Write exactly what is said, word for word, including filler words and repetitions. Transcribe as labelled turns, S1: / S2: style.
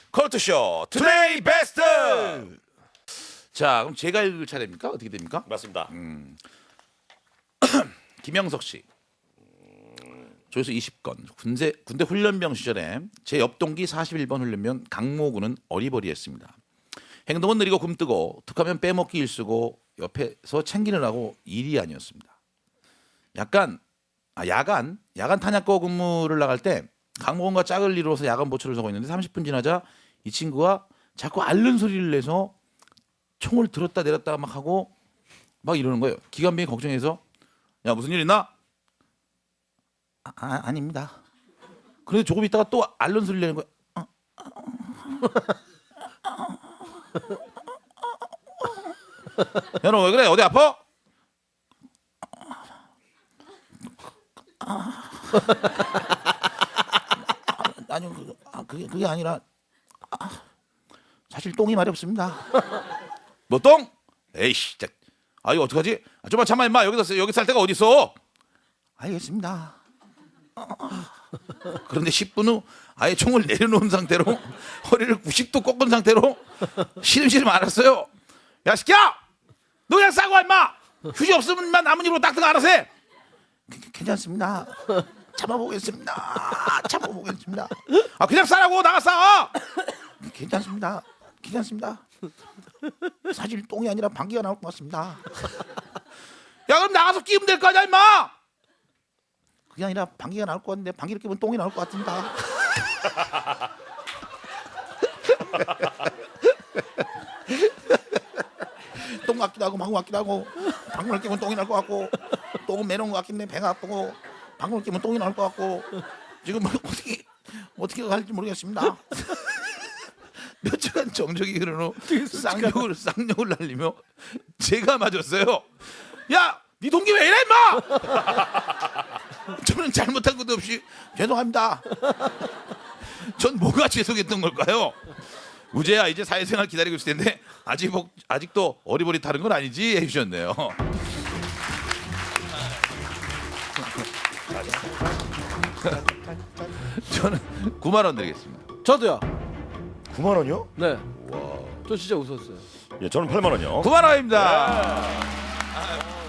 S1: 컬투쇼 투데이 베스트. 자, 그럼 제가 읽을 차례입니까? 어떻게 됩니까?
S2: 맞습니다.
S1: 김영석 씨. 조회수 이십 건. 군대 군대 훈련병 시절에 제 옆 동기 사십일 번 훈련병 강모군은 어리버리했습니다. 행동은 느리고 굼뜨고 툭하면 빼먹기 일쓰고 옆에서 챙기느라고 일이 아니었습니다. 약간 아, 야간 야간 탄약고 근무를 나갈 때 강모군과 짝을 이루어서 야간 보초를 서고 있는데 삼십 분 지나자 이 친구가 자꾸 앓는 소리를 내서 총을 들었다 내렸다 막 하고 막 이러는 거예요. 기관병이 걱정해서 야 무슨 일 있나? 아, 아 아닙니다. 그런데 조금 있다가 또 앓는 소리를 내는 거예요. 어, 야 너 왜 그래? 어디 아파? 아니 그, 아, 그게 그게 아니라 아, 사실 똥이 말이 없습니다. 뭐 똥? 에이씨, 진짜. 아 이거 어떡하지? 아, 좀만 참아 임마. 여기서 여기 살 데가 어디 있어? 알겠습니다. 그런데 십 분 후 아예 총을 내려놓은 상태로 허리를 구십 도 꺾은 상태로 시름시름 알았어요. 야 시끼야, 너 그냥 싸고 와 임마. 휴지 없으면 임마 남은 입으로 딱딱 알아서 해. 괜찮습니다. 참아보겠습니다. 참아보겠습니다. 아 그냥 싸라고 나가 싸. 괜찮습니다. 괜찮습니다. 사실 똥이 아니라 방귀가 나올 것 같습니다. 야 그럼 나가서 끼면 될 거 아니야 임마. 그게 아니라 방귀가 나올 것 같은데 방귀를 끼면 똥이 나올 것 같습니다. 똥 같기도 하고 방구 같기도 하고 방구를 끼면 똥이 나올 것 같고 똥은 매너운 것 같긴데 배가 아프고 방구를 끼면 똥이 나올 것 같고 지금 뭐 어떻게 어떻게 할지 모르겠습니다. 몇 주간 정적이 흐른 후 쌍욕을 쌍욕을 날리며 제가 맞았어요. 야, 네 동기 왜 이래 임마? 저는 잘못한 것도 없이 죄송합니다. 전 뭐가 죄송했던 걸까요? 우재야 이제 사회생활 기다리고 있을 텐데 아직 아직도 어리버리타는 건 아니지 해주셨네요. 저는 구만 원 드리겠습니다.
S3: 저도요.
S2: 구만 원이요?
S3: 네. 저 진짜 웃었어요.
S2: 예, 저는 팔만 원이요.
S1: 구만 원입니다.